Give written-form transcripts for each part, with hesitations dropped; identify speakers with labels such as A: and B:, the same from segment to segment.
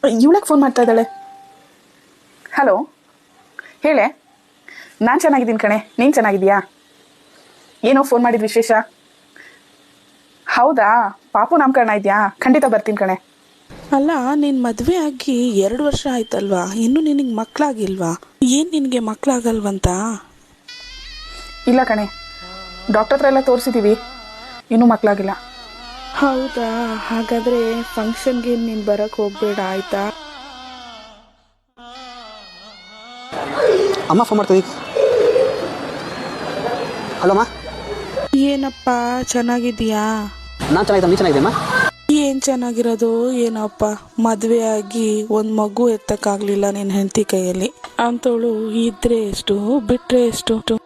A: ಇವಳಕ್ಕೆ phone ಮಾಡ್ತಾ ಇದ್ದಾಳೆ. Hello, ಹೇಳೆ. ನಾನು ಚೆನ್ನಾಗಿದ್ದೀನಿ ಕಣೆ, ನೀನು ಚೆನ್ನಾಗಿದೆಯಾ? ಏನೋ ಫೋನ್ ಮಾಡಿದ ವಿಶೇಷ? ಹೌದಾ, ಪಾಪು ನಾಮಕರಣ ಇದೆಯಾ? ಖಂಡಿತ ಬರ್ತೀನಿ ಕಣೆ.
B: ಅಲ್ಲ, ನೀನು ಮದುವೆ ಆಗಿ 2 ವರ್ಷ ಆಯ್ತಲ್ವಾ, ಇನ್ನೂ ನಿನಗೆ ಮಕ್ಕಳಾಗಿಲ್ವಾ? ಏನು ನಿನಗೆ ಮಕ್ಕಳಾಗಲ್ವಂತ?
A: ಇಲ್ಲ ಕಣೆ, ಡಾಕ್ಟರ್ ಹತ್ರ ಎಲ್ಲ ತೋರಿಸಿದ್ದೀವಿ, ಇನ್ನೂ ಮಕ್ಕಳಾಗಿಲ್ಲ.
B: ಹೌದಾ, ಹಾಗಾದರೆ ಫಂಕ್ಷನ್ಗೆ ನೀನು ಬರೋಕ್ಕೆ ಹೋಗಬೇಡ ಆಯಿತಾ?
C: ಅಮ್ಮ ಫೋನ್ ಮಾಡ್ತೀವಿ. ಹಲೋ ಅಮ್ಮ.
B: ಏನಪ್ಪ, ಚೆನ್ನಾಗಿದೆಯಾ?
C: ನಾನು ಚೆನ್ನಾಗಿದ್ದೆ, ನೀನು ಚೆನ್ನಾಗಿದೆಯಮ್ಮ?
B: ಏನು ಚೆನ್ನಾಗಿರೋದು ಏನಪ್ಪ, ಮದುವೆ ಆಗಿ ಒಂದು ಮಗು ಎತ್ತಕ್ಕಾಗಲಿಲ್ಲ ನಿನ್ನ ಹೆಂಡತಿ ಕೈಯಲ್ಲಿ. ಅಂಥವಳು ಇದ್ರೆ ಎಷ್ಟು, ಬಿಟ್ಟರೆ ಎಷ್ಟು?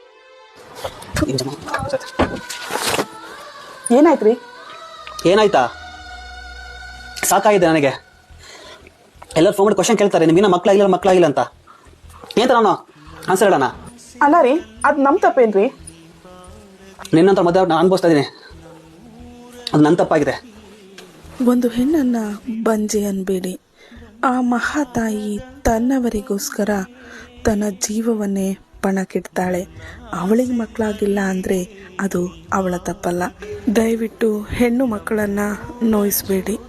A: ಏನಾಯ್ತು ರೀ?
C: ಏನಾಯ್ತಾ? ಸಾಕಾಗಿದೆ ನನಗೆ. ಎಲ್ಲರೂ ಫೋನ್ ಮಾಡಿ ಕ್ವಶನ್ ಕೇಳ್ತಾರೆ, ನಿಮ್ಗಿನ್ನ ಮಕ್ಕಳಾಗಿಲ್ಲ ಅಂತ. ಏನಂತ ನಾನು ಆನ್ಸರ್ ಹೇಳೋಣ?
A: ಅಲ್ಲ ರೀ, ಅದು ನಮ್ಮ ತಪ್ಪೇನ್ರಿ?
C: ನಿನ್ನಂತ ಮದುವೆ ನಾನು ಅನುಭವಿಸ್ತಾ ಇದ್ದೀನಿ, ಅದು ನನ್ನ ತಪ್ಪಾಗಿದೆ.
B: ಒಂದು ಹೆಣ್ಣನ್ನು ಬಂಜೆ ಅನ್ಬೇಡಿ. ಆ ಮಹಾತಾಯಿ ತನ್ನವರಿಗೋಸ್ಕರ ತನ್ನ ಜೀವವನ್ನೇ ಪಣಕ್ಕಿಡ್ತಾಳೆ. ಅವಳಿಗೆ ಮಕ್ಕಳಾಗಿಲ್ಲ ಅಂದರೆ ಅದು ಅವಳ ತಪ್ಪಲ್ಲ. ದಯವಿಟ್ಟು ಹೆಣ್ಣು ಮಕ್ಕಳನ್ನು ನೋಯಿಸಬೇಡಿ.